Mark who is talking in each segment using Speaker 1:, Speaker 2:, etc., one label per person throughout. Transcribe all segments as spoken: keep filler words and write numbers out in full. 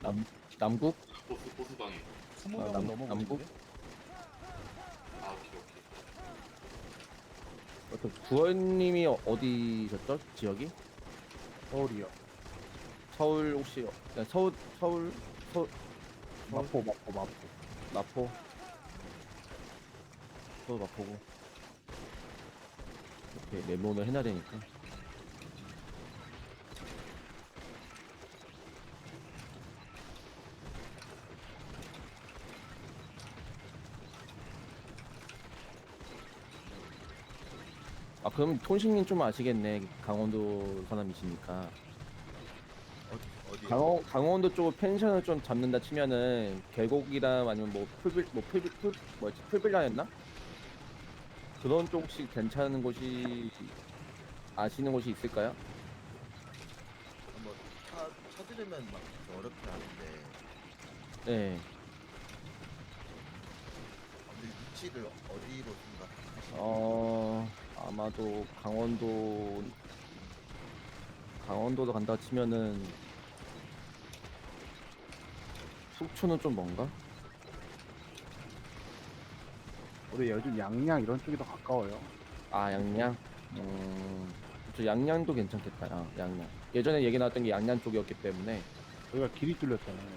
Speaker 1: 남 남국?
Speaker 2: 보스 보스방에.
Speaker 3: 스무
Speaker 1: 아,
Speaker 3: 명은
Speaker 1: 남-
Speaker 3: 넘어보는데?
Speaker 1: 남북?
Speaker 2: 아 오케이 오케이.
Speaker 1: 어떤 구원님이 어디셨죠? 지역이?
Speaker 3: 서울이요.
Speaker 1: 서울 혹시 네, 서울 서울 서울
Speaker 3: 마포, 마포, 마포.
Speaker 1: 마포 서울 마포고 이렇게 메모를 해놔야 되니까. 아 그럼 톤식님 좀 아시겠네. 강원도 사람이시니까.
Speaker 4: 어디 어디
Speaker 1: 강원 강원도 쪽 펜션을 좀 잡는다 치면은 계곡이랑 아니면 뭐 풀빌 뭐 풀빌 풀 뭐지 풀빌라였나? 그런 쪽 혹시 괜찮은 곳이 아시는 곳이 있을까요?
Speaker 4: 뭐 차, 찾으려면 막 그렇게 어렵긴 하는데
Speaker 1: 네.
Speaker 4: 근데 위치를 어디로 생각하시나요?
Speaker 1: 어 아마도 강원도 강원도로 간다 치면은 속초는 좀 먼가?
Speaker 3: 우리 요즘 양양 이런 쪽이 더 가까워요.
Speaker 1: 아 양양. 음, 저 양양도 괜찮겠다. 아, 양양. 예전에 얘기 나왔던 게 양양 쪽이었기 때문에.
Speaker 3: 저희가 길이 뚫렸잖아요.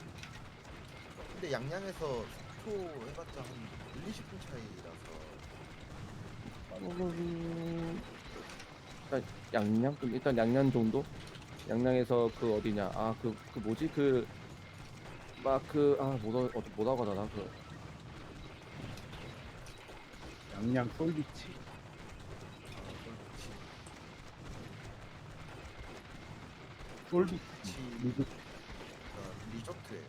Speaker 4: 근데 양양에서 속초 해봤자 한 일, 이십 분 차이라서
Speaker 1: 음, 일단 양양? 그럼 일단 양양 정도? 양양에서 그 어디냐? 아, 그, 그 뭐지? 그, 막 그, 아, 뭐라, 어디, 뭐라고 하더라? 그,
Speaker 3: 양양 솔비치. 솔비치.
Speaker 4: 위치
Speaker 3: 리그
Speaker 4: 어, 리조트에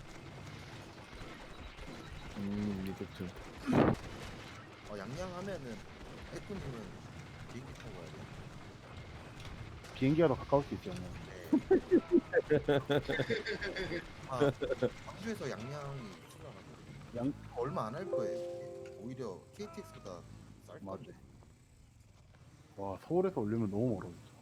Speaker 1: 음, 리조트.
Speaker 4: 어, 양양 하면은 해군님은 비행기 타고 가야 돼.
Speaker 3: 비행기가 더 가까울 수 있어요.
Speaker 4: 네. 아, 광주에서 양양이 생각하거든요.
Speaker 3: 양,
Speaker 4: 얼마 안 할 거예요. 그게. 오히려 케이티엑스보다 쌀
Speaker 3: 맞아.
Speaker 4: 건데.
Speaker 3: 와, 서울에서 올리면 너무 멀어.